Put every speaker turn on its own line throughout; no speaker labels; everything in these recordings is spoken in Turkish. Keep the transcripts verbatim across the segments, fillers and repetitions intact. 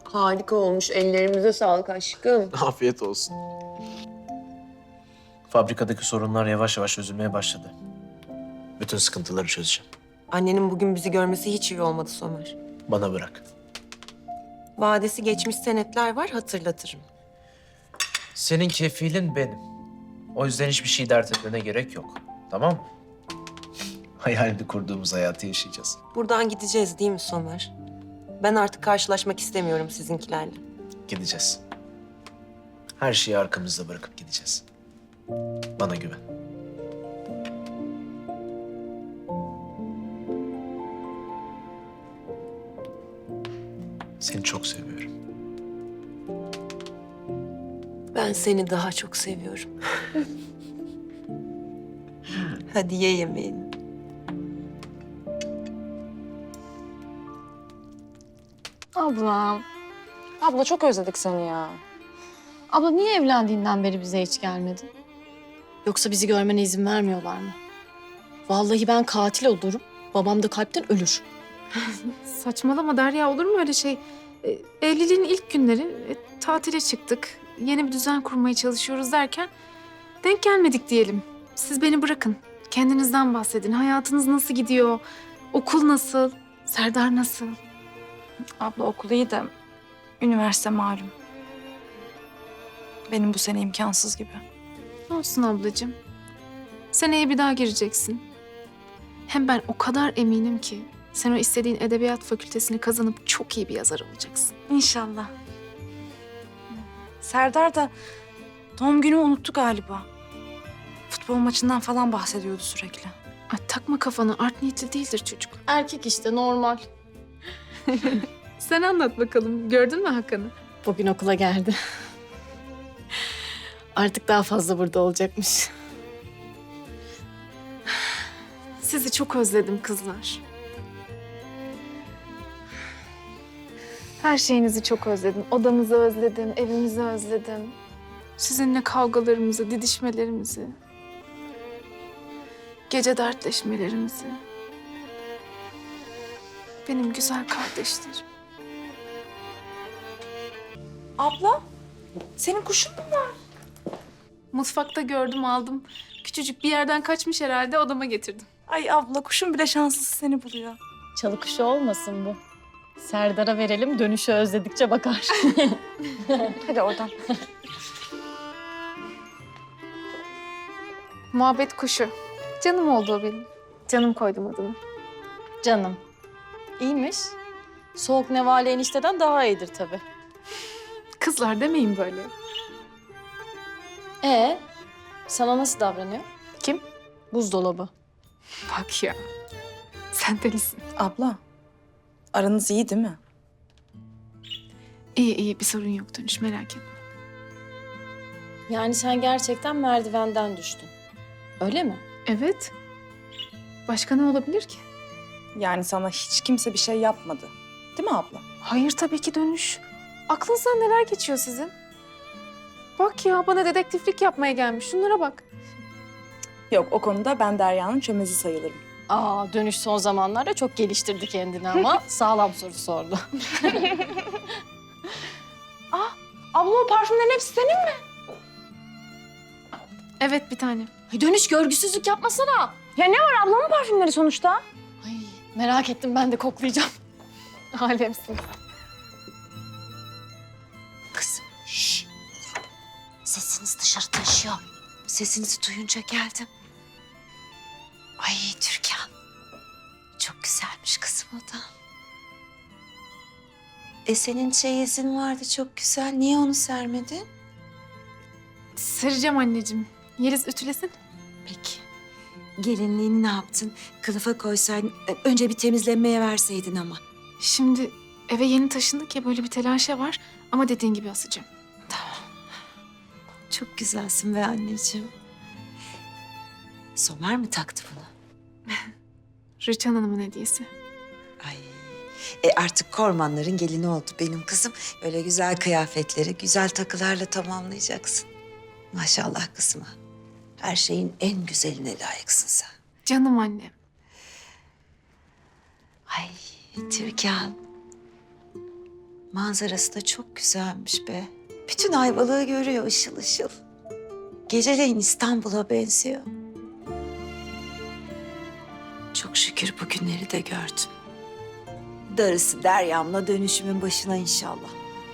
Harika olmuş. Ellerimize sağlık aşkım.
Afiyet olsun. Fabrikadaki sorunlar yavaş yavaş çözülmeye başladı. Bütün sıkıntıları çözeceğim.
Annenin bugün bizi görmesi hiç iyi olmadı Somer.
Bana bırak.
Vadesi geçmiş senetler var, hatırlatırım.
Senin kefilin benim. O yüzden hiçbir şey dert etmene gerek yok. Tamam mı? Hayalini kurduğumuz hayatı yaşayacağız.
Buradan gideceğiz değil mi Somer? Ben artık karşılaşmak istemiyorum sizinkilerle.
Gideceğiz. Her şeyi arkamızda bırakıp gideceğiz. Bana güven. Seni çok seviyorum.
Ben seni daha çok seviyorum. Hadi ye yemeğini.
Ablam. Abla çok özledik seni ya. Abla niye evlendiğinden beri bize hiç gelmedin? Yoksa bizi görmene izin vermiyorlar mı? Vallahi ben katil olurum. Babam da kalpten ölür.
Saçmalama Derya, olur mu öyle şey? E, evliliğin ilk günleri e, tatile çıktık. Yeni bir düzen kurmaya çalışıyoruz derken denk gelmedik diyelim. Siz beni bırakın. Kendinizden bahsedin. Hayatınız nasıl gidiyor? Okul nasıl? Serdar nasıl?
Abla okul iyi de üniversite malum. Benim bu sene imkansız gibi.
Ne olsun ablacığım? Seneye bir daha gireceksin. Hem ben o kadar eminim ki sen o istediğin edebiyat fakültesini kazanıp çok iyi bir yazar olacaksın.
İnşallah. Serdar da doğum günü unuttu galiba. Futbol maçından falan bahsediyordu sürekli.
Ay, takma kafanı, art niyetli değildir çocuk.
Erkek işte normal.
Sen anlat bakalım, gördün mü Hakan'ı?
Bugün okula geldi. Artık daha fazla burada olacakmış.
Sizi çok özledim kızlar. Her şeyinizi çok özledim. Odamızı özledim, evimizi özledim. Sizinle kavgalarımızı, didişmelerimizi. Gece dertleşmelerimizi. Benim güzel kardeşlerim.
Abla, senin kuşun mu var?
Mutfakta gördüm, aldım. Küçücük bir yerden kaçmış herhalde, odama getirdim.
Ay abla, kuşun bile şanslısı seni buluyor.
Çalı kuşu olmasın bu. Serdar'a verelim, dönüşü özledikçe bakar.
Hadi oradan.
Muhabbet kuşu. Canım oldu o benim. Canım koydum adını.
Canım. İyiymiş. Soğuk nevale enişteden daha iyidir tabii.
Kızlar demeyin böyle.
Ee, sana nasıl davranıyor?
Kim?
Buzdolabı.
Bak ya. Sen delisin.
Abla, aranız iyi değil mi?
İyi iyi, bir sorun yok Dönüş, merak etme.
Yani sen gerçekten merdivenden düştün. Öyle mi?
Evet. Başka ne olabilir ki?
Yani sana hiç kimse bir şey yapmadı. Değil mi abla?
Hayır tabii ki Dönüş. Aklınızdan neler geçiyor sizin? Bak ya, bana dedektiflik yapmaya gelmiş. Şunlara bak.
Yok, o konuda ben Derya'nın çömezi sayılırım.
Aa, dönüş son zamanlarda çok geliştirdi kendini ama sağlam soru sordu.
Abla, o parfümlerin hepsi senin mi?
Evet, bir tane.
Ay dönüş görgüsüzlük yapmasana.
Ya ne var, ablamın parfümleri sonuçta?
Ay merak ettim, ben de koklayacağım.
Alemsin.
Kızım, şşş. Sesiniz dışarı taşıyor. Sesinizi duyunca geldim. Ay Türkan. Çok güzelmiş kızım o da. E senin çeyizin vardı çok güzel. Niye onu sermedin?
Sereceğim anneciğim. Yeliz ütülesin.
Peki. Gelinliğini ne yaptın? Kılıfa koysaydın. e, Önce bir temizlenmeye verseydin ama.
Şimdi eve yeni taşındık ya, böyle bir telaşa var. Ama dediğin gibi asacağım.
Çok güzelsin be anneciğim. Somer mi taktı bunu?
Rüçhan Hanım'ın hediyesi.
Ay. E artık Kormanların gelini oldu benim kızım. Öyle güzel kıyafetleri, güzel takılarla tamamlayacaksın. Maşallah kızıma. Her şeyin en güzeline layıksın sen.
Canım annem.
Ay Türkan. Manzarası da çok güzelmiş be. Bütün Ayvalık'ı görüyor ışıl ışıl. Geceleyin İstanbul'a benziyor. Çok şükür bu günleri de gördüm. Darısı Deryam'la dönüşümün başına inşallah.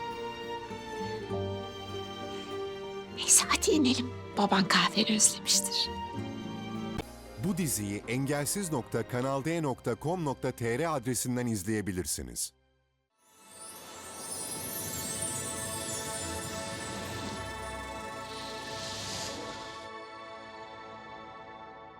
Neyse hadi inelim. Baban kahveni özlemiştir.
Bu diziyi engelsiz nokta kanalde nokta com nokta tr adresinden izleyebilirsiniz.